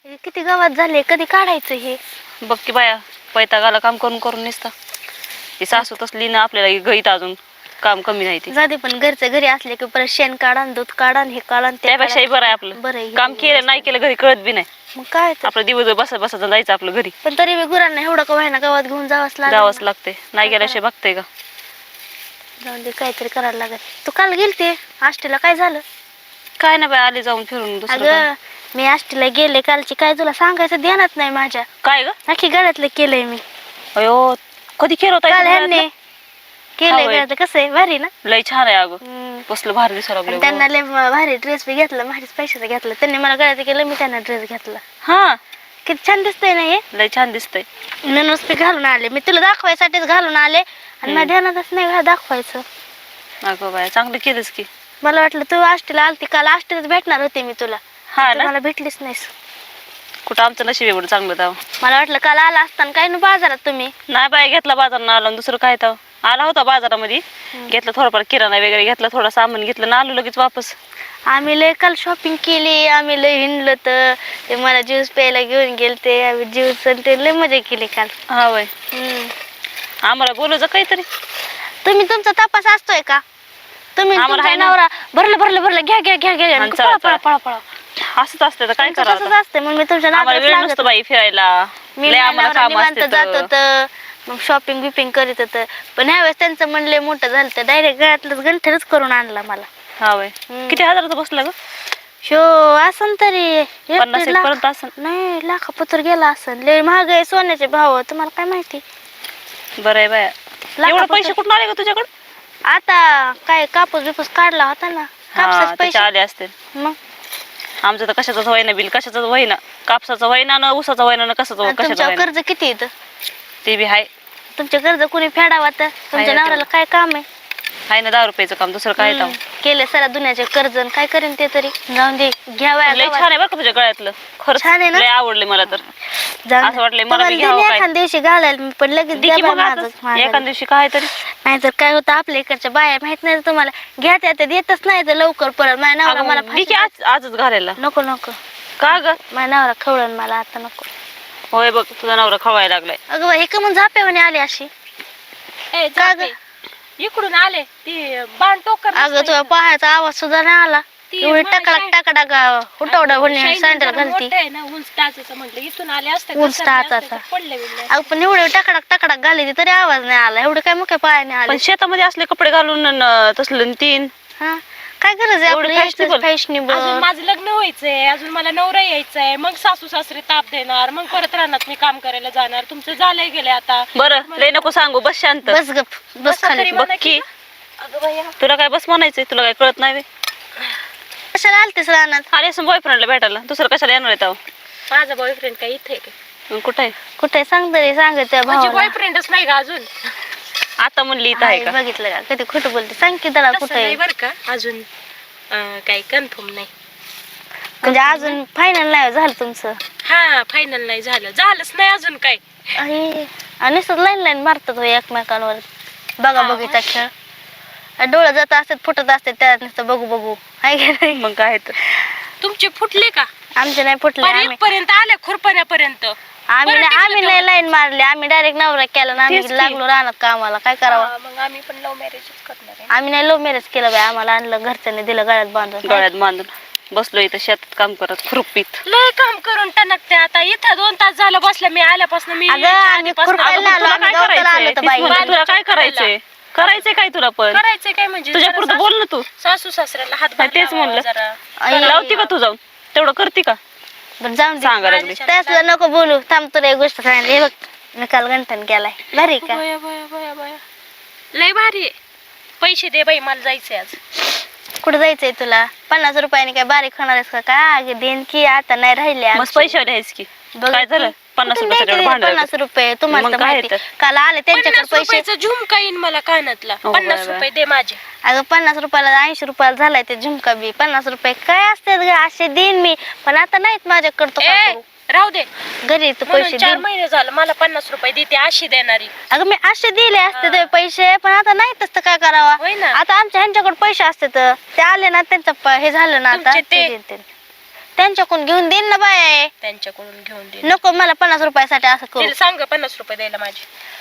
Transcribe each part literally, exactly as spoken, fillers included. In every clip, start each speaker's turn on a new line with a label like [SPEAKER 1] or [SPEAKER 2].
[SPEAKER 1] किती गावात झाले, कधी काढायचं हे?
[SPEAKER 2] बघ की बाया, पैतागाला काम करून करून निसता. ती सासू तसली ना आपल्याला गईत अजून काम कमी नाही ती.
[SPEAKER 1] जाते पण घरचं घरी असले की परत शेण काढा, दूध काढा, हे काढा,
[SPEAKER 2] त्यापेक्षाही बरं आहे आपलं.
[SPEAKER 1] बरं
[SPEAKER 2] काम केलं नाही केलं घरी कळत बी नाही.
[SPEAKER 1] मग काय
[SPEAKER 2] आपलं दिवस बसा बसा जायचं आपलं घरी.
[SPEAKER 1] पण तरी बी गुरांना एवढं का व्हायना गावात घेऊन जावंच लागतं.
[SPEAKER 2] जावंच लागते, नाही गेल्याशिवाय बघते का.
[SPEAKER 1] जाऊन दे, काहीतरी करायला लागत. तू काल गेलते आष्टीला, काय झालं?
[SPEAKER 2] काय ना बाय, आले जाऊन फिरून.
[SPEAKER 1] अगं मी आष्टीला गेले कालची, काय तुला सांगायचं ध्यानात नाही माझ्या.
[SPEAKER 2] काय ग?
[SPEAKER 1] नक्की गळ्यातलं केलंय मी.
[SPEAKER 2] अयो कधी केलं होतं?
[SPEAKER 1] काल ह्यांनी केलंय गळ्यातलं. कसं आहे, भारी ना?
[SPEAKER 2] लय छान आहे अगं,
[SPEAKER 1] हम्म.
[SPEAKER 2] कसलं भारी दिसायला लागलं.
[SPEAKER 1] त्यांना लय भारी ड्रेस बी घेतला, भारीच पैशाचा घेतला त्यांनी. मला गळ्यात केलं, मी त्यांना ड्रेस घेतला.
[SPEAKER 2] हा
[SPEAKER 1] किती छान दिसतंय ना हे.
[SPEAKER 2] लय छान दिसतंय.
[SPEAKER 1] ननूस बी घालून आले, मी तुला दाखवायसाठीच घालून आले आणि माझ्या ध्यानातच नाही घा दाखवायचं.
[SPEAKER 2] अगं बाय, चांगलं केलंस की.
[SPEAKER 1] मला वाटलं तू आष्टीला आलती, काल आष्टीलाच भेटणार होते मी तुला.
[SPEAKER 2] हा
[SPEAKER 1] तू
[SPEAKER 2] ना,
[SPEAKER 1] मला भेटलीच नाहीस.
[SPEAKER 2] कुठं आमचं नशीब एवढं चांगलं तेव्हा.
[SPEAKER 1] मला वाटलं काल आला असताना काय ना बाजारात तुम्ही.
[SPEAKER 2] नाही बाय, घेतला बाजारात आलो, दुसरं काय तेव्हा. आला होता बाजारामध्ये, घेतलं थोडंफार किराणा वगैरे घेतला, थोडं सामान घेतलं ना आलो लगेच वापस.
[SPEAKER 1] आम्ही लय काल शॉपिंग केली, आम्ही लय हिंडलो. तर ते मला ज्यूस प्यायला घेऊन गेलते, आम्ही ज्यूस आणि ते लय मजा केली काल.
[SPEAKER 2] हा वय,
[SPEAKER 1] हम्म.
[SPEAKER 2] आम्हाला बोलायचं काहीतरी.
[SPEAKER 1] तुम्ही तुमचा तपास असतोय का? तुम्ही
[SPEAKER 2] आम्हाला
[SPEAKER 1] तुमचा
[SPEAKER 2] आहे ना.
[SPEAKER 1] नवरा भरलं भरलं भरलं घ्या घ्या घ्या घ्या
[SPEAKER 2] आणि
[SPEAKER 1] पळा
[SPEAKER 2] चला,
[SPEAKER 1] पळा
[SPEAKER 2] चला.
[SPEAKER 1] पळा पळा.
[SPEAKER 2] असंच असतं तर काय
[SPEAKER 1] तुमचं
[SPEAKER 2] करावं
[SPEAKER 1] तसंच
[SPEAKER 2] आता?
[SPEAKER 1] असते, मग मी तुमच्या
[SPEAKER 2] आम्हाला
[SPEAKER 1] नादात
[SPEAKER 2] वेळ
[SPEAKER 1] लागत
[SPEAKER 2] नसतो बाई फिरायला.
[SPEAKER 1] मी
[SPEAKER 2] लय आम्हाला काम
[SPEAKER 1] निवांत
[SPEAKER 2] असते
[SPEAKER 1] जात
[SPEAKER 2] तर.
[SPEAKER 1] होतं, मग शॉपिंग बिपिंग करीत होतं. पण ह्यावेळेस त्यांचं मन लय मोठं झालं, तर डायरेक्ट गळ्यातलंच गंठरच करून आणला मला.
[SPEAKER 2] हा वय,
[SPEAKER 1] हम्म.
[SPEAKER 2] किती हजाराचं बसला ग?
[SPEAKER 1] शो असन तरी एक
[SPEAKER 2] पन्नास
[SPEAKER 1] दीड
[SPEAKER 2] एक
[SPEAKER 1] लाख.
[SPEAKER 2] पर्यंत असन.
[SPEAKER 1] नाही, लाखापत्र गेला असन. लय महाग आहे सोन्याचे भाव, तुम्हाला काय माहिती.
[SPEAKER 2] बरं आहे बाया. एवढे
[SPEAKER 1] लाखापत्र-
[SPEAKER 2] पैसे कुठून आले ग तुझ्याकडे?
[SPEAKER 1] आता काय कापूस बिपूस काढला होता ना,
[SPEAKER 2] हा,
[SPEAKER 1] कापसाचे
[SPEAKER 2] त्याचे
[SPEAKER 1] पैसे.
[SPEAKER 2] आले असते.
[SPEAKER 1] मग
[SPEAKER 2] आमचं तर कशाचंच व्हायना बिल, कशाचंच व्हायना. कापसाचं व्हायना ना, ऊसाचं व्हायना ना, कशाचं
[SPEAKER 1] आणि
[SPEAKER 2] कशाचं
[SPEAKER 1] तुमच्यावर
[SPEAKER 2] व्हायना.
[SPEAKER 1] कर्ज किती येतं?
[SPEAKER 2] ते बी हाय.
[SPEAKER 1] तुमचे कर्ज कुणी फेडावा तर तुमच्या
[SPEAKER 2] ना
[SPEAKER 1] नवऱ्याला काय काम आहे?
[SPEAKER 2] हाय ना दहा रुपयाचं काम, दुसरं काय
[SPEAKER 1] हम्म. केले सारा दुनियाचे कर्ज आणि काय करेन ते तरी. जाऊन दे, घ्यावा
[SPEAKER 2] लय छान आहे बरं का तुझ्या गळ्यातलं. खरंच
[SPEAKER 1] छान आहे ना?
[SPEAKER 2] लय आवडले मला तर. असं वाटलंय मला बी घ्यावं
[SPEAKER 1] तुम्हाला
[SPEAKER 2] काय.
[SPEAKER 1] एखाद दिवशी घालायला मी, पण लगेच
[SPEAKER 2] दे की
[SPEAKER 1] द्या
[SPEAKER 2] मग
[SPEAKER 1] बाई
[SPEAKER 2] आताच.
[SPEAKER 1] माझं- माझं.
[SPEAKER 2] एखाद दिवशी काय तरी.
[SPEAKER 1] नाहीतर काय होतं, आपल्या इकडच्या बाया माहित नाही तुम्हाला, घ्या त्या देतच नाही तर लवकर परत. माझ्या नवरा मला
[SPEAKER 2] अगं, दे की
[SPEAKER 1] फाशी-
[SPEAKER 2] आज आजच घालायला.
[SPEAKER 1] नको नको,
[SPEAKER 2] का ग?
[SPEAKER 1] माझ्या नवरा खवळण मला आता नको.
[SPEAKER 2] होय बघ, तुझा नवरा खवायला लागलाय.
[SPEAKER 1] अगं बाई, हे का मग झाप्यावाने आली अशी?
[SPEAKER 3] ए,
[SPEAKER 1] का
[SPEAKER 3] जाते.
[SPEAKER 1] ग?
[SPEAKER 3] इकडून आले ती बाण टोकर
[SPEAKER 1] अगं तुझ्या पायाचा आवाज सुद्धा नाही आला.
[SPEAKER 3] ती
[SPEAKER 1] एवढी
[SPEAKER 3] मला
[SPEAKER 1] टाकडा
[SPEAKER 3] शाई-
[SPEAKER 1] टाकडा हुटवडा होणे सँडल घालती.
[SPEAKER 3] ना उंच टाचाचं म्हटलं इथून आले असते
[SPEAKER 1] उंच टाचाचा.
[SPEAKER 3] पडले बिडले
[SPEAKER 1] अगं पण एवढे टाकडा टाकडा घाली तरी आवाज नाही आला. एवढं काय मुख्य पायाने आले.
[SPEAKER 2] पण शेतामध्ये असले कपडे घालून न- तसलं तीन.
[SPEAKER 1] हा, काय गरज आहे
[SPEAKER 2] एवढं fashionable.
[SPEAKER 3] अजून
[SPEAKER 1] फॅशनेबल.
[SPEAKER 3] माझं लग्न व्हायचंय, अजून मला नवरा यायचंय, मग सासू सासरे ताप देणार, मग परत रानात मी काम करायला जाणार. तुमचं झालंय गेले आता.
[SPEAKER 2] बरं लय नको सांगू, बस शांत.
[SPEAKER 1] बस गप, बस
[SPEAKER 3] बसा
[SPEAKER 1] खाली.
[SPEAKER 3] तरी
[SPEAKER 2] बघ
[SPEAKER 3] म्हणा
[SPEAKER 2] की,
[SPEAKER 3] की. अगं बाया,
[SPEAKER 2] तुला काय बस म्हणायचंय? तुला काय कळत नाही?
[SPEAKER 1] कशाला आलतेस रानात?
[SPEAKER 2] आले असं बॉयफ्रेंडला भेटायला, दुसरं कशाला येणार आहे तेव्हा?
[SPEAKER 3] माझा बॉयफ्रेंड काय इथे आहे का?
[SPEAKER 2] मग कुठं आहे?
[SPEAKER 1] कुठे सांग तरी, सांग त्या
[SPEAKER 3] माझी
[SPEAKER 1] भावाला.
[SPEAKER 3] बॉयफ्रेंडच नाही का अजून?
[SPEAKER 2] आता म्हणली इथं आहे
[SPEAKER 1] हाय,
[SPEAKER 2] का?
[SPEAKER 1] बघितलं का कधी खोटं बोलते? सांग की त्याला
[SPEAKER 3] तसं
[SPEAKER 1] कुठे
[SPEAKER 3] नाही बरं का, अजून अं, काही कन्फर्म नाही.
[SPEAKER 1] म्हणजे अजून फायनल नाही झालं तुमचं?
[SPEAKER 3] हा, फायनल नाही झालं, झालंच नाही अजून काय.
[SPEAKER 1] अरे, आणि लाईन लाईन मारतात हो एकमेकांवर. बघा
[SPEAKER 3] हा,
[SPEAKER 1] बघीचा खेळ. डोळं जात असतात, फुटत असतात, त्यात नुसतं बघू बघू. हाय की नाही?
[SPEAKER 2] मग काय तर.
[SPEAKER 3] तुमचे फुटले का?
[SPEAKER 1] आमचे नाही फुटले. आम्ही
[SPEAKER 3] पर्यंत आले खुरपण्यापर्यंत.
[SPEAKER 1] आम्ही
[SPEAKER 3] बरं
[SPEAKER 1] नाही
[SPEAKER 3] टिकलं
[SPEAKER 1] आम्ही
[SPEAKER 3] तेवढं.
[SPEAKER 1] नाही लाईन मारली. आम्ही डायरेक्ट नवरा केला ना,
[SPEAKER 2] तेच की.
[SPEAKER 1] आम्ही लागलो राहणार कामाला. काय करावं?
[SPEAKER 3] हा, मग आम्ही पण लव्ह मॅरेजच करणार आहे.
[SPEAKER 1] आम्ही नाही लव्ह मॅरेज केलं बाई. आम्हाला आणलं घरच्यांनी, दिलं गळ्यात बांधून.
[SPEAKER 2] गळ्यात बांधून बसलो इथं शेतात काम करत खुरपीत.
[SPEAKER 3] लय काम करून टणकते आता. इथं दोन तास झालं बसलं मी आल्यापासून. मी
[SPEAKER 1] अगं,
[SPEAKER 3] यायच्या
[SPEAKER 1] आम्ही
[SPEAKER 3] आधीपासून
[SPEAKER 1] खुरपायला
[SPEAKER 3] अगं,
[SPEAKER 1] आलो,
[SPEAKER 2] तुला
[SPEAKER 1] आम्ही
[SPEAKER 2] काय
[SPEAKER 1] गवताला
[SPEAKER 2] करायचंय?
[SPEAKER 1] आलो तर
[SPEAKER 2] तीच
[SPEAKER 1] बाई.
[SPEAKER 2] म्हणते, तुला काय करायचंय? करायचंय काय तुला पण?
[SPEAKER 3] करायचंय काय म्हणजे
[SPEAKER 2] तुझ्या
[SPEAKER 3] जरा
[SPEAKER 2] पुरतं बोल ना तू.
[SPEAKER 3] सासू सासऱ्याला हात
[SPEAKER 2] हा, तेच
[SPEAKER 3] लावावा
[SPEAKER 2] म्हणलं.
[SPEAKER 3] जरा.
[SPEAKER 1] आई,
[SPEAKER 2] लावती का तू जाऊन? तेवढं करते का?
[SPEAKER 1] बरं जाऊन
[SPEAKER 2] सांगा लागली.
[SPEAKER 1] त्याच नको बोलू. थांब, तुला एक गोष्ट सांगितली. हे बघ, मी काल गंठन केलाय. भारी का?
[SPEAKER 3] बया, बया, बया, बया. लय भारी आहे. पैसे दे बाई, मला जायचंय आज.
[SPEAKER 1] कुठे जायचंय तुला? पन्नास रुपयाने काय बारीक होणार आहेस का? काय देन की आता नाही राहिले
[SPEAKER 2] मस्त पैसे द्यायच की.
[SPEAKER 1] बघ
[SPEAKER 2] काय झालं? पन्नास
[SPEAKER 1] कुठून
[SPEAKER 2] रुपयाचं
[SPEAKER 1] द्यायचे
[SPEAKER 2] एवढं भांडण.
[SPEAKER 1] पन्नास रुपये तुम्हाला
[SPEAKER 2] मग
[SPEAKER 1] तर
[SPEAKER 2] काय
[SPEAKER 1] माहिती.
[SPEAKER 2] तर?
[SPEAKER 1] काल आले त्यांच्याकडे
[SPEAKER 3] पन्नास
[SPEAKER 1] पैसे.
[SPEAKER 3] रुपयाचा झुमका येईन मला कानातला.
[SPEAKER 2] हो,
[SPEAKER 3] पन्नास
[SPEAKER 2] बरं,
[SPEAKER 3] रुपये दे माझे.
[SPEAKER 1] अगं पन्नास रुपयाला ऐंशी रुपयाला झालाय ते झुमका बी. पन्नास रुपये काय असतात ग? असे देईन मी, पण आता नाहीत माझ्याकडे. तो काय
[SPEAKER 3] ए,
[SPEAKER 1] करू?
[SPEAKER 3] राहू दे.
[SPEAKER 1] घरी तर
[SPEAKER 3] म्हणून
[SPEAKER 1] पैसे
[SPEAKER 3] चार
[SPEAKER 1] देईन.
[SPEAKER 3] महिने झालं मला पन्नास रुपये देते अशी देणारी.
[SPEAKER 1] अगं मी असे दिले असते ते पैसे, पण आता नाही तसं काय करावा?
[SPEAKER 3] होय ना.
[SPEAKER 1] आता आमच्या ह्यांच्याकडे पैसे असते तर ते आले ना, त्यांचं प- हे झालं ना आता
[SPEAKER 3] तुमचे ते-
[SPEAKER 1] ते देतील. त्यांच्याकडून घेऊन देईन ना बाय.
[SPEAKER 3] त्यांच्याकडून घेऊन दे.
[SPEAKER 1] नको मला पन्नास रुपयासाठी असं करू.
[SPEAKER 3] तिला सांग पन्नास रुपये द्यायला माझे.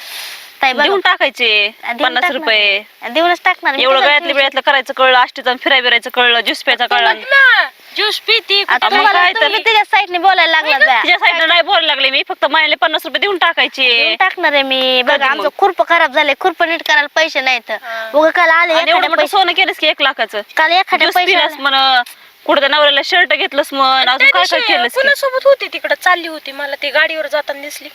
[SPEAKER 1] ताई बघा,
[SPEAKER 2] देऊन टाकायचे
[SPEAKER 1] देऊन
[SPEAKER 2] पन्नास
[SPEAKER 1] टाकणार.
[SPEAKER 2] रुपये.
[SPEAKER 1] देऊनच टाकणार मी.
[SPEAKER 2] एवढं
[SPEAKER 1] कसं
[SPEAKER 2] गळ्यातल्या बिळ्यातलं करायचं कळलं, आष्टीचं फिराय बिरायचं कळलं, ज्यूस प्यायचं कळलं.
[SPEAKER 3] ज्यूस पिती
[SPEAKER 1] आता
[SPEAKER 2] मग
[SPEAKER 1] तुम्हाला
[SPEAKER 2] काय
[SPEAKER 1] तुम्ही
[SPEAKER 2] तर?
[SPEAKER 1] तिच्या साईडने बोलायला लागला बाया.
[SPEAKER 2] तिच्या साईडला नाही बोलायला लागले मी, फक्त महिन्याला पन्नास रुपये देऊन टाकायचे.
[SPEAKER 1] देऊन टाकणार आहे मी. बघा
[SPEAKER 2] कधी
[SPEAKER 1] आमचं
[SPEAKER 2] मग?
[SPEAKER 1] खुरप खराब झाले, खुरप नीट करायला पैसे नाहीत.
[SPEAKER 3] हा.
[SPEAKER 1] उगा काल आले
[SPEAKER 2] आणि एवढं
[SPEAKER 1] एखाद्या
[SPEAKER 2] मोठं
[SPEAKER 1] पैसे
[SPEAKER 2] सोनं केलंस की एक लाखाचं.
[SPEAKER 1] काल एखाद्या
[SPEAKER 2] ज्यूस
[SPEAKER 1] पैसे
[SPEAKER 2] पिलास म्हण, कुठं नवऱ्याला शर्ट घेतलंस म्हण, अजून काय काय केलंस की?
[SPEAKER 3] कुणासोबत होती तिकडे चालली होती, मला ती गाडीवर जाताना दिसली.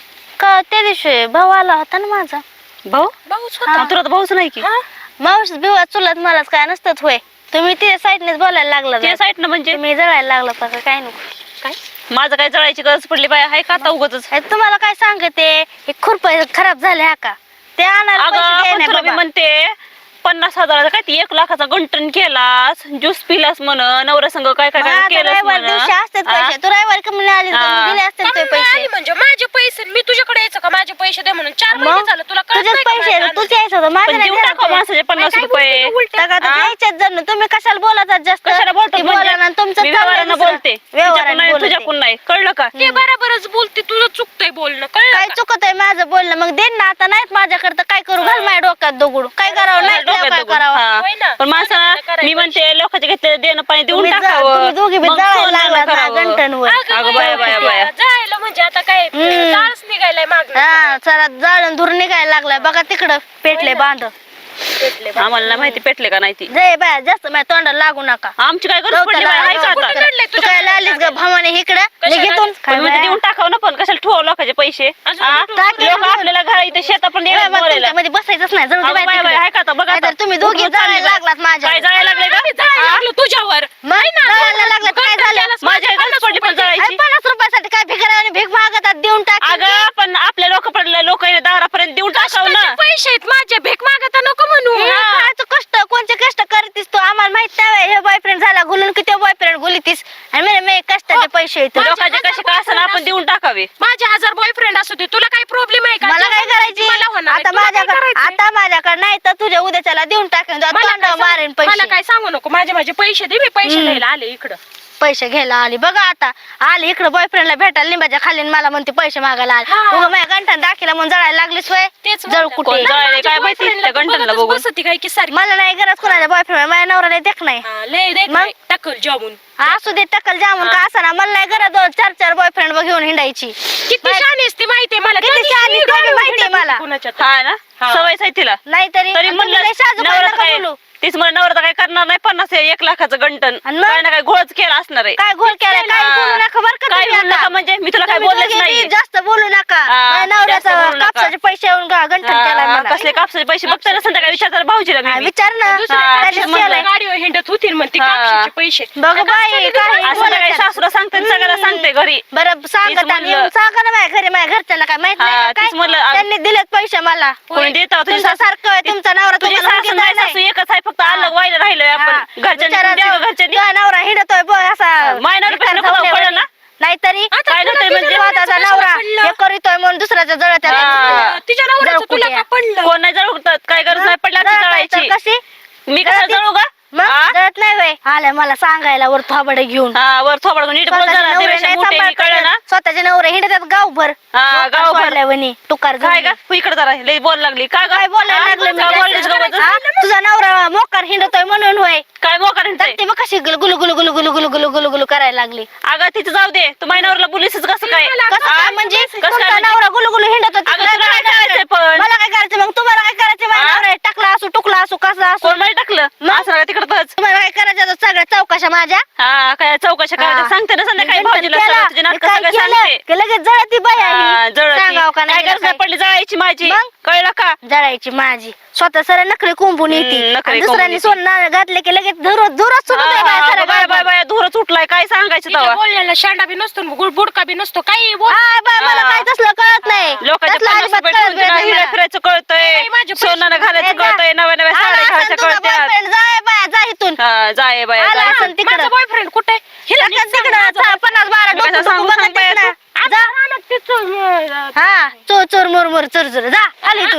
[SPEAKER 1] का त्या दिवशी भाऊ आला होता ना माझा.
[SPEAKER 2] भाऊ
[SPEAKER 3] भाऊच
[SPEAKER 1] हा.
[SPEAKER 3] होता.
[SPEAKER 2] तुला तर भाऊच नाही की.
[SPEAKER 1] मावस बिवा चुलत मलाच काय नसतात होय. तुम्ही तिच्या साईडनेच बोलायला लागला
[SPEAKER 2] त्या साईडनं म्हणजे
[SPEAKER 1] तुम्ही जळायला लागला का काय नको.
[SPEAKER 3] काय
[SPEAKER 2] माझं काय जळायची गरज पडली बाय आहे का आता उगाच.
[SPEAKER 1] अरे तुम्हाला काय सांगते हे खुरप खराब झाले हा का ते आणायला
[SPEAKER 2] अगं
[SPEAKER 1] पैसे द्याय
[SPEAKER 2] पण
[SPEAKER 1] नाही
[SPEAKER 2] तुला मी
[SPEAKER 1] बाबा.
[SPEAKER 2] म्हणते पन्नास हजाराचा काय ती एक लाखाचा गंटन केलास, ज्यूस पिलास म्हण, नवऱ्या संग काय काय
[SPEAKER 1] मग
[SPEAKER 2] काय
[SPEAKER 1] आता
[SPEAKER 2] केलंस
[SPEAKER 1] रविवारी दिवशी असतात पैसे. तू रविवारी कमी आली
[SPEAKER 2] हा.
[SPEAKER 1] दिले असते ते
[SPEAKER 3] कमी
[SPEAKER 1] पैसे.
[SPEAKER 3] आली म्हणजे माझे पैसे मी तुझ्याकडे यायचं का माझे पैसे दे म्हणून चार महिने
[SPEAKER 1] मग
[SPEAKER 3] झालं तुला कळत
[SPEAKER 1] तुझेच
[SPEAKER 3] नाही का
[SPEAKER 1] पैसे
[SPEAKER 3] माझ्या
[SPEAKER 1] तुझे यायचं होतं माझे
[SPEAKER 2] पण
[SPEAKER 1] नाही
[SPEAKER 2] देऊन
[SPEAKER 1] द्यायला
[SPEAKER 2] टाका
[SPEAKER 1] होते.
[SPEAKER 2] माणसाचे पन्नास
[SPEAKER 3] काय
[SPEAKER 2] रुपये.
[SPEAKER 3] बोलते उलटं?
[SPEAKER 1] टाका तर
[SPEAKER 2] हा?
[SPEAKER 1] द्यायच्याच जण तुम्ही कशाला बोलतात जास्त
[SPEAKER 2] कशाला बोलतो
[SPEAKER 1] ती
[SPEAKER 2] म्हणजे?
[SPEAKER 1] बोला ना तुमचं
[SPEAKER 2] मी
[SPEAKER 1] चाललंय
[SPEAKER 2] व्यवहारानं
[SPEAKER 1] दुसरं.
[SPEAKER 2] बोलते,
[SPEAKER 1] व्यवहारानं
[SPEAKER 2] तुझ्याकडून नाही,
[SPEAKER 1] बोलते.
[SPEAKER 2] तुझ्याकडून नाही, कळलं का?
[SPEAKER 3] ते बरोबरच बोलते, तुझं चुकतंय बोलणं, कळलं
[SPEAKER 1] काय
[SPEAKER 3] का?
[SPEAKER 1] चुकत आहे माझं बोलणं मग देन ना आता नाहीत माझ्याकडे तर काय करू घाल माझ्या डोक्यात दगड काय करावं नाही
[SPEAKER 2] डोक्यात
[SPEAKER 1] काय
[SPEAKER 2] दगड.
[SPEAKER 1] करावं
[SPEAKER 2] हा.
[SPEAKER 3] होय ना?
[SPEAKER 2] पण माणसाला
[SPEAKER 3] करायचं.
[SPEAKER 2] मी म्हणते लोकांचे घेतलेले देणं पाणी देऊन
[SPEAKER 1] तुम्ही जा-
[SPEAKER 2] टाकावं.
[SPEAKER 1] तुम्ही दोघी बी
[SPEAKER 2] मग
[SPEAKER 1] जाळायला
[SPEAKER 2] सोनं
[SPEAKER 1] लागलात ना
[SPEAKER 2] करावं.
[SPEAKER 1] गंटनवर.
[SPEAKER 3] अगं
[SPEAKER 2] अगं
[SPEAKER 3] बाया,
[SPEAKER 2] बाया, बाया, बाया.
[SPEAKER 3] जायला म्हणजे आता काय
[SPEAKER 1] हम्म.
[SPEAKER 3] जाळच निघायलाय मागं.
[SPEAKER 1] हा चला जाळून धुर निघायला लागलाय बघा तिकडं पेटले बांध
[SPEAKER 3] पेटले बा.
[SPEAKER 2] आम्हाला नाही माहिती पेटले का नाही ती.
[SPEAKER 1] जय बाय जास्त माझ्या तोंडाला लागू नका
[SPEAKER 2] आमची काय गरज पडली बाई, आहे का
[SPEAKER 3] कुठं
[SPEAKER 2] आता?
[SPEAKER 3] काढलंय
[SPEAKER 1] तू
[SPEAKER 3] तुझ्या
[SPEAKER 1] काय लालीस ग भावाने इकडं
[SPEAKER 3] कशाला
[SPEAKER 1] निघितून
[SPEAKER 3] आलीस?
[SPEAKER 1] काय
[SPEAKER 2] पण म्हणजे देऊन टाकावं ना, पण कशाला ठेवावं लोकांचे पैसे?
[SPEAKER 3] अजून
[SPEAKER 2] हा?
[SPEAKER 3] कुठं-
[SPEAKER 1] टाक-
[SPEAKER 2] लोक आपल्याला घरा इथे शेतात पण येतात बोलायला.
[SPEAKER 1] मध्ये बसायचंच नाही जाऊ दे
[SPEAKER 2] अगं
[SPEAKER 1] बाय
[SPEAKER 2] बाय बाय,
[SPEAKER 1] तिकडं.
[SPEAKER 2] आहे का आता? बघा आता.
[SPEAKER 1] नाहीतर तुम्ही दोघी
[SPEAKER 2] कुठं चालली
[SPEAKER 1] जाळायला
[SPEAKER 2] बाई?
[SPEAKER 1] लागलात माझ्या
[SPEAKER 2] काय जायला लागले
[SPEAKER 3] आम्ही
[SPEAKER 2] का?
[SPEAKER 3] जायला
[SPEAKER 2] हा?
[SPEAKER 3] लागलो तुझ्यावर.
[SPEAKER 1] मग जाळायला लागलं तर काय झालं
[SPEAKER 2] माझ्या गरज पडली पण
[SPEAKER 1] अरे
[SPEAKER 2] जळायची.
[SPEAKER 1] पन्नास रुपयासाठी काय भिकाऱ्याने भीक मागतात देऊन टाक
[SPEAKER 2] अगं पण आपल्या लोक पडले लोक दारापर्यंत देऊन टाकावं ना.
[SPEAKER 3] कष्टाचे पैसे आहेत माझे, भीक मागता नको म्हणू.
[SPEAKER 1] कायचं कष्ट कोणचे कष्ट करतीस तू आम्हाला माहित नाही हे बॉयफ्रेंड झाला गुलून की ते बॉयफ्रेंड गुलीतीस आणि म्हणे मी कष्टाचे पैसे येतो
[SPEAKER 2] लोकांचे कसे काय असं आपण देऊन टाकावे.
[SPEAKER 3] माझे हजार बॉयफ्रेंड असू दे, तुला काही प्रॉब्लेम आहे का?
[SPEAKER 1] मला काय
[SPEAKER 3] जेव्हा
[SPEAKER 1] करायची
[SPEAKER 3] मला होणार आहे,
[SPEAKER 1] आता
[SPEAKER 3] तुला काय
[SPEAKER 1] माझ्याकडे
[SPEAKER 3] करायचंय?
[SPEAKER 1] आता माझ्याकडे नाही तर तुझ्या उद्याच्याला देऊन टाकेन
[SPEAKER 3] मला काय
[SPEAKER 1] तोंडावर
[SPEAKER 3] सांगू-
[SPEAKER 1] मारेन
[SPEAKER 3] मला
[SPEAKER 1] पैसे
[SPEAKER 3] काय सांगू नको, माझे माझे पैसे दे, मी पैसे
[SPEAKER 1] हम्म.
[SPEAKER 3] द्यायला आले इकडं.
[SPEAKER 1] पैसे घ्यायला आली बघा आता आली इकडे बॉयफ्रेंडला भेटायला लिंबाच्या खाली आणि मला म्हणते पैसे मागायला आले
[SPEAKER 3] हा.
[SPEAKER 1] उगा माझ्या गंठन दाखिला म्हणून जळायला लागली सोय
[SPEAKER 3] तेच
[SPEAKER 1] जळ
[SPEAKER 3] म्हणलं.
[SPEAKER 1] कुठे
[SPEAKER 2] कोण जळायला
[SPEAKER 3] माझ्या
[SPEAKER 2] काय माहिती
[SPEAKER 3] boyfriend
[SPEAKER 2] त्या
[SPEAKER 3] ला
[SPEAKER 2] गंठनला
[SPEAKER 3] बघतच
[SPEAKER 2] बघून.
[SPEAKER 3] बसती काय की सारखी.
[SPEAKER 1] मला नाही गरज कोणाच्या बॉयफ्रेंड माझ्या नवऱ्याला देख नाही
[SPEAKER 3] हा, लय देख
[SPEAKER 1] मग?
[SPEAKER 3] नाही, टाकल जाऊन.
[SPEAKER 1] असू दे टक्कल जामून का असं ना मला नाही गरज दोन चार चार बॉयफ्रेंड घेऊन हिंडायची
[SPEAKER 3] किती शहाणी असते माहितीये मला,
[SPEAKER 1] किती
[SPEAKER 3] कधीच
[SPEAKER 1] शहाणी
[SPEAKER 3] मी
[SPEAKER 1] ते बी
[SPEAKER 3] गाडीवर
[SPEAKER 1] माहितीये
[SPEAKER 3] हिंडत
[SPEAKER 1] मला.
[SPEAKER 3] नाही कुणाच्यात.
[SPEAKER 2] हा ना
[SPEAKER 3] हा.
[SPEAKER 2] सवयच आहे तिला.
[SPEAKER 1] नाहीतरी
[SPEAKER 2] तरी
[SPEAKER 1] आणि
[SPEAKER 2] म्हणलं
[SPEAKER 1] तुम्ही लय साजूक
[SPEAKER 2] नवरा
[SPEAKER 1] नका
[SPEAKER 2] काय
[SPEAKER 1] बोलू.
[SPEAKER 2] तीच म्हणलं नवरा काय करणार नाही, पन्नास एक लाखाचं गंटन
[SPEAKER 1] आणि मग?
[SPEAKER 2] काय ना काय घोळच केला असणार आहे.
[SPEAKER 1] काय घोळ केलाय काय
[SPEAKER 2] हा.
[SPEAKER 1] बोलू नका बरं का
[SPEAKER 2] काय
[SPEAKER 1] तुम्ही
[SPEAKER 2] बोलू
[SPEAKER 1] आता.
[SPEAKER 2] नका म्हणजे मी तुला काय
[SPEAKER 1] तुम्ही
[SPEAKER 2] बोललेच
[SPEAKER 1] दोघी
[SPEAKER 2] नाही.
[SPEAKER 1] बी जास्त बोलू नका
[SPEAKER 2] हा,
[SPEAKER 1] माझ्या
[SPEAKER 2] जास्त
[SPEAKER 1] नवऱ्याचं
[SPEAKER 2] बोलू नका.
[SPEAKER 1] कापसाचे पैसे येऊन गा- गंठन केलाय
[SPEAKER 2] हा,
[SPEAKER 1] मला.
[SPEAKER 2] कसले कापसाचे पैसे बघताना संध्याकाळी विचारतात भाऊजीला
[SPEAKER 1] हा,
[SPEAKER 2] मी
[SPEAKER 1] विचार ना
[SPEAKER 3] दुसऱ्या
[SPEAKER 2] हा,
[SPEAKER 3] दिवशी
[SPEAKER 1] त्याच्यात
[SPEAKER 2] म्हणलं.
[SPEAKER 3] मला
[SPEAKER 1] केलंय.
[SPEAKER 3] गाडीवर हिंडत होती म्हणते
[SPEAKER 2] हा.
[SPEAKER 3] कापसाचे पैसे.
[SPEAKER 1] बघ बाई काय
[SPEAKER 2] असं संध्याकाळी सासूला सांगते आणि सगळ्याला सांगते घरी.
[SPEAKER 1] बरं सांगत
[SPEAKER 2] तीच म्हणलं.
[SPEAKER 1] आणि सांगा ना माझ्या घरी माझ्या घरच्यांना काय माहित नाही
[SPEAKER 2] हा,
[SPEAKER 1] का
[SPEAKER 2] तीच
[SPEAKER 1] काय
[SPEAKER 2] म्हणलं. आ-
[SPEAKER 1] त्यांनी दिलेत पैसे मला
[SPEAKER 2] कोणी देत तुझी
[SPEAKER 1] तुमचा
[SPEAKER 2] सासू
[SPEAKER 1] सारखं आहे, तुमचा नवरा
[SPEAKER 2] तुझी
[SPEAKER 1] तुम्हाला
[SPEAKER 2] सासू
[SPEAKER 1] मुलगी
[SPEAKER 2] नाही
[SPEAKER 1] नाही.
[SPEAKER 2] सासू एकच आहे, फक्त
[SPEAKER 1] हा.
[SPEAKER 2] अलग व्हायला राहिलोय
[SPEAKER 1] हा.
[SPEAKER 2] आपण घरच्यांनी
[SPEAKER 1] बिचारा
[SPEAKER 2] द्यावं
[SPEAKER 1] जाऊ-
[SPEAKER 2] घरच्यांनी.
[SPEAKER 1] तुझा नवरा हिंडतोय बघ असा
[SPEAKER 2] माझ्या नवऱ्यापेक्षा नको जाऊ, कळलं ना?
[SPEAKER 1] नाहीतरी
[SPEAKER 3] आता
[SPEAKER 2] काय
[SPEAKER 3] तुला
[SPEAKER 2] नव्हतं
[SPEAKER 3] तुझ्या
[SPEAKER 2] म्हणजे
[SPEAKER 1] स्वतःचा
[SPEAKER 3] नवऱ्याचं
[SPEAKER 1] नवरा
[SPEAKER 3] कशाला पडलं?
[SPEAKER 1] हे करीतोय म्हणून दुसऱ्याच्या जळत
[SPEAKER 2] हा.
[SPEAKER 3] तिच्या नवऱ्याचं
[SPEAKER 1] जळ
[SPEAKER 3] तुला
[SPEAKER 1] कुठे
[SPEAKER 3] का पडलं?
[SPEAKER 2] कोण नाही जळू तर काय गरज नाही पडली आमची जळायची.
[SPEAKER 1] कशी
[SPEAKER 2] मी कसं
[SPEAKER 1] जळती-
[SPEAKER 2] जळू का?
[SPEAKER 1] मग
[SPEAKER 2] हा?
[SPEAKER 1] जळत नाही वय आल्या मला सांगायला वर थोबडे घेऊन
[SPEAKER 2] हा वर थोबड नीट बोल
[SPEAKER 1] स्वतःचे
[SPEAKER 2] जरा
[SPEAKER 1] नवरे
[SPEAKER 2] त्यापेक्षा
[SPEAKER 1] नाही
[SPEAKER 2] मोठे मी, कळलं ना?
[SPEAKER 1] सांभाळत. स्वतःचे नवरे हिंडतात गावभर
[SPEAKER 2] हा, गावभर.
[SPEAKER 1] सोडल्यावानी, तुकार
[SPEAKER 2] काय
[SPEAKER 1] झाली.
[SPEAKER 2] का तू इकडे जरा लई बोल लागली काय
[SPEAKER 1] काय बोलायला लागले मी
[SPEAKER 2] काय
[SPEAKER 1] जास्त?
[SPEAKER 2] बोललीस गं बघ?
[SPEAKER 1] हा? तुझा नवरा मोकार हिंडतोय म्हणून होय
[SPEAKER 2] काय मोकार म्हणतोय?
[SPEAKER 1] ते मग कशी गुलू गुलू गुलू गुलू गुलू गुलू गुलू गुलू गुलू करायला लागली
[SPEAKER 2] अगं तिचं जाऊ दे तू माझ्या नवऱ्याला बोलीसच कसं काय
[SPEAKER 1] कसं
[SPEAKER 2] हा?
[SPEAKER 1] काय म्हणजे
[SPEAKER 2] कसं काय
[SPEAKER 1] तुमचा
[SPEAKER 2] म्हणजे?
[SPEAKER 1] नवरा गुलू गुलू हिंडत होता.
[SPEAKER 2] अगं,
[SPEAKER 1] तुला
[SPEAKER 2] तुला
[SPEAKER 1] काय
[SPEAKER 2] काय करायचंय
[SPEAKER 1] करायचं?
[SPEAKER 2] पण?
[SPEAKER 1] मला काय करायचं मग तुम्हाला काय करायचं माझ्या
[SPEAKER 2] हा?
[SPEAKER 1] नवरा टाकला असू टुकला असू कसं असू
[SPEAKER 2] कोण मध्ये टाकलं असं नका तिकडच.
[SPEAKER 1] तुम्हाला काय करायचं आता सगळ्या चौकशा माझ्या
[SPEAKER 2] हा काय चौकशा करायच्या
[SPEAKER 1] हा.
[SPEAKER 2] सांगते ना संध्याकाळी
[SPEAKER 1] मी
[SPEAKER 2] भाऊजीला
[SPEAKER 1] केलं.
[SPEAKER 2] सगळं तुझे नाटक
[SPEAKER 1] मी काय
[SPEAKER 2] सगळं
[SPEAKER 1] केलं?
[SPEAKER 2] सांगते.
[SPEAKER 1] की लगेच जळती बाई
[SPEAKER 2] हा,
[SPEAKER 1] आहे.
[SPEAKER 2] जळती.
[SPEAKER 1] सांगावं का
[SPEAKER 2] काय
[SPEAKER 1] नाही
[SPEAKER 2] गरज नाही
[SPEAKER 1] काय?
[SPEAKER 2] पडली जळायची माझी
[SPEAKER 1] मग?
[SPEAKER 2] कळलं का?
[SPEAKER 1] जळायची माझी स्वतः सर नखरे कुंपून
[SPEAKER 2] हम्म,
[SPEAKER 1] येते
[SPEAKER 2] नखरे
[SPEAKER 1] आणि
[SPEAKER 2] कोंबून
[SPEAKER 1] दुसऱ्यांनी
[SPEAKER 2] येते.
[SPEAKER 1] सोनं घातले की लगेच धुरत धुरत सुटत आहे बाया साऱ्या
[SPEAKER 2] बाय बाय
[SPEAKER 1] गावात.
[SPEAKER 2] बाय धुरच उठलाय काय सांगायचं
[SPEAKER 3] तिच्या
[SPEAKER 2] तेव्हा
[SPEAKER 3] बोलण्याला शांडा बी नसतो गुड बुडका बी नसतो काही बोल.
[SPEAKER 1] हा, बाय, मला
[SPEAKER 2] हा.
[SPEAKER 1] काय तसलं कळत नाही
[SPEAKER 2] लोकांच्या
[SPEAKER 1] तसलं
[SPEAKER 2] पन्नास
[SPEAKER 1] अजिबात
[SPEAKER 2] रुपये
[SPEAKER 1] कळत
[SPEAKER 2] ठेवून तुला
[SPEAKER 1] नाही
[SPEAKER 2] हिरा
[SPEAKER 1] मला.
[SPEAKER 2] फिरायचं कळतंय
[SPEAKER 3] नाही, माझे पैसे
[SPEAKER 2] सोनानं घालायचं
[SPEAKER 1] नाही,
[SPEAKER 2] कळतंय नव्या नव्या
[SPEAKER 1] आला
[SPEAKER 2] साड्या
[SPEAKER 1] असेल
[SPEAKER 2] घालायच्या
[SPEAKER 1] तुझा
[SPEAKER 2] कळत्यात.
[SPEAKER 1] boyfriend, जाय बाया जा इथून
[SPEAKER 2] हा जाय बाय
[SPEAKER 1] आला
[SPEAKER 2] जाय.
[SPEAKER 1] असेल तिकडं
[SPEAKER 3] माझा बॉयफ्रेंड कुठे? हिला नीट सांग
[SPEAKER 1] तिकडं
[SPEAKER 3] माझा
[SPEAKER 1] चा- पन्नास बारा
[SPEAKER 2] मी
[SPEAKER 1] डोकं
[SPEAKER 2] कसं सांगू
[SPEAKER 1] डोकं बघा
[SPEAKER 2] सांग बाया
[SPEAKER 1] तिकडं.
[SPEAKER 3] आता रानात तिचं, अं,
[SPEAKER 1] हा चोर चोर मुर मुर चोर चोर जा आली इथून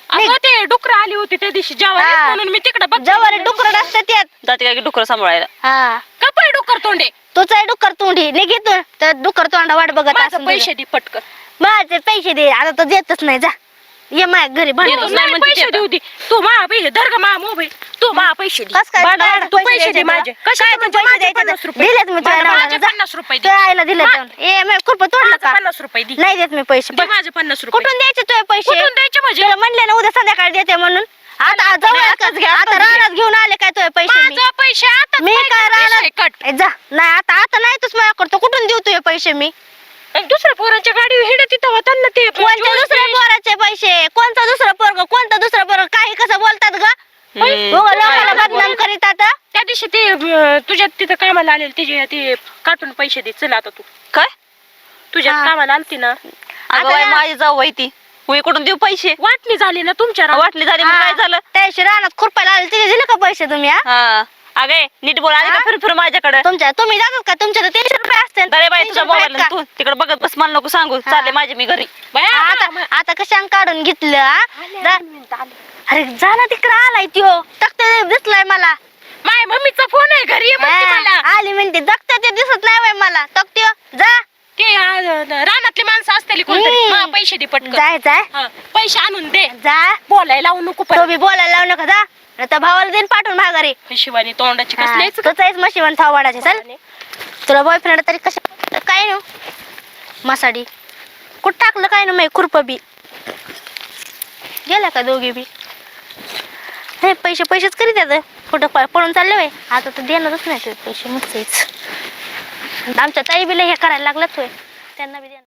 [SPEAKER 3] अगं ते डुकर आली होती त्या दिवशी जेव्हा
[SPEAKER 1] हा.
[SPEAKER 3] म्हणून मी तिकडे बघ
[SPEAKER 1] जवळ डुकर असतात त्यात.
[SPEAKER 2] जाते काय की डुकर सांभाळायला.
[SPEAKER 1] हा
[SPEAKER 3] कपडे डुकर तोंडे
[SPEAKER 1] तूच आहे डुकर तोंडी निघितून तर डुकर तोंडा वाट बघत
[SPEAKER 3] माझं
[SPEAKER 1] असेल
[SPEAKER 3] पैसे दे पटकन
[SPEAKER 1] तुझं. माझे पैसे दे आता तर देतच नाही जा ये माझ्या घरी भांडण.
[SPEAKER 2] देतच
[SPEAKER 3] तू
[SPEAKER 2] नाही
[SPEAKER 3] नाही
[SPEAKER 2] म्हणते
[SPEAKER 3] पैसे
[SPEAKER 2] ते
[SPEAKER 3] देऊ दे तू मा पैसे धर ग मा मोबाईल तू मा पैसे दे
[SPEAKER 1] कस काय
[SPEAKER 3] बाळा,
[SPEAKER 1] तुला
[SPEAKER 3] तू
[SPEAKER 1] पैसे
[SPEAKER 3] पैसे दे
[SPEAKER 1] द्यायचे
[SPEAKER 3] माझे
[SPEAKER 1] तुला?
[SPEAKER 3] कशाचे
[SPEAKER 1] काय तू
[SPEAKER 3] म्हणजे
[SPEAKER 1] पैसे
[SPEAKER 3] माझे
[SPEAKER 1] द्यायचे
[SPEAKER 3] पन्नास
[SPEAKER 1] तर?
[SPEAKER 3] रुपये
[SPEAKER 1] दिलेत मी तुझ्या
[SPEAKER 3] माझे
[SPEAKER 1] नावाला, जा.
[SPEAKER 3] पन्नास रुपये दे
[SPEAKER 1] तुझ्या आईला दिले
[SPEAKER 3] मा-
[SPEAKER 1] ए मी खुरप तोडलं
[SPEAKER 3] माझे
[SPEAKER 1] का
[SPEAKER 3] पन्नास रुपये दे
[SPEAKER 1] नाही देत मी पैसे
[SPEAKER 3] दे माझे पन्नास रुपये
[SPEAKER 1] कुठून द्यायचे तुझे पैसे
[SPEAKER 3] कुठून द्यायचे म्हणजे
[SPEAKER 1] तुला म्हणले ना उद्या संध्याकाळी देते म्हणून आता जवळ
[SPEAKER 2] आताच घ्या,
[SPEAKER 1] आता
[SPEAKER 2] आताच घ्या.
[SPEAKER 1] रानात घेऊन आले काय तुझे पैसे मी?
[SPEAKER 3] माझं पैसे आता
[SPEAKER 1] मी काय रानात
[SPEAKER 3] कट
[SPEAKER 1] ए, जा नाही आता आता नाही तूच माझ्या करतो कुठून देऊ तुझे पैसे मी
[SPEAKER 3] आणि दुसऱ्या पोरांच्या गाडीवर हिडत तिथं होता ना ते
[SPEAKER 1] कोणत्या दुसऱ्या पोराचे पैसे कोणता दुसरा पोरग कोणता दुसरा पोरग काही कसं बोलतात ग
[SPEAKER 2] हम्म.
[SPEAKER 1] हो, लोकाला बदनाम करीत आता
[SPEAKER 3] त्या दिवशी ते अं, तुझ्या तिथं कामाला आलेले तिचे ते काटून पैसे दे चल आता तू
[SPEAKER 2] काय
[SPEAKER 3] तुझ्या
[SPEAKER 1] हा.
[SPEAKER 3] कामाला आलती ना
[SPEAKER 2] अगं बाई माझी जाऊ बाई ती मी कुठून देऊ पैसे
[SPEAKER 3] वाटणी झाली ना तुमच्या रानात.
[SPEAKER 2] वाटली झाली मग काय झालं
[SPEAKER 1] त्याशी रानात खुरपायला आले तिथे दिले का पैसे तुम्ही हा?
[SPEAKER 2] हा अगे नीट बोल आली का
[SPEAKER 1] हा?
[SPEAKER 2] फिर फिर माझ्याकडे
[SPEAKER 1] तुमच्या तुम्ही जातात का तुमच्या तर तीनशे रुपये असते
[SPEAKER 2] अरे बाई तुझा मोबाईल तू तिकडे बघत बस मला नको सांगू
[SPEAKER 1] हा.
[SPEAKER 2] चालले माझे मी घरी
[SPEAKER 3] बाया,
[SPEAKER 1] आता
[SPEAKER 3] मा-
[SPEAKER 1] आता कशाने काढून घेतलं हा?
[SPEAKER 3] आले,
[SPEAKER 1] जा-
[SPEAKER 3] आले, मिनिटं आले.
[SPEAKER 1] अरे जा ना तिकडे आलाय त्यो तक्ते दिसलाय मला
[SPEAKER 3] माय मम्मीचा फोन आहे घरी ये म्हणते मला
[SPEAKER 1] हा, आली म्हणते जगत्या ते दिसत नाही बाई मला तक्त्यो जा
[SPEAKER 3] ते अं, रानातली माणसं असतील कोणतरी
[SPEAKER 1] हम्म.
[SPEAKER 3] मा, पैसे दे पटकन
[SPEAKER 1] जाय जाय
[SPEAKER 3] हा, पैसे आणून दे
[SPEAKER 1] जा
[SPEAKER 3] बोलायला लावू नको
[SPEAKER 1] तो
[SPEAKER 3] पण
[SPEAKER 1] बी बोलायला लावू नका जा नाही तर भावाला देईन पाठवून माघारी
[SPEAKER 3] शिवानी तोंडाची
[SPEAKER 1] हा,
[SPEAKER 3] कसलीच
[SPEAKER 1] तोच आहेस मशिवन थावाडाचे चल तुला बॉयफ्रेंड तरी कशा काय ना मासाडी कुठं टाकलं काय ना माही खुरप बी गेल्या का दोघी बी हे पैसे पैसेच करीत येत कुठं प- पळून चालले बाई आता तर देणारच नाही ते पैसे मग आमच्या ताई बिला हे करायला लागलाच होय त्यांना बी देणार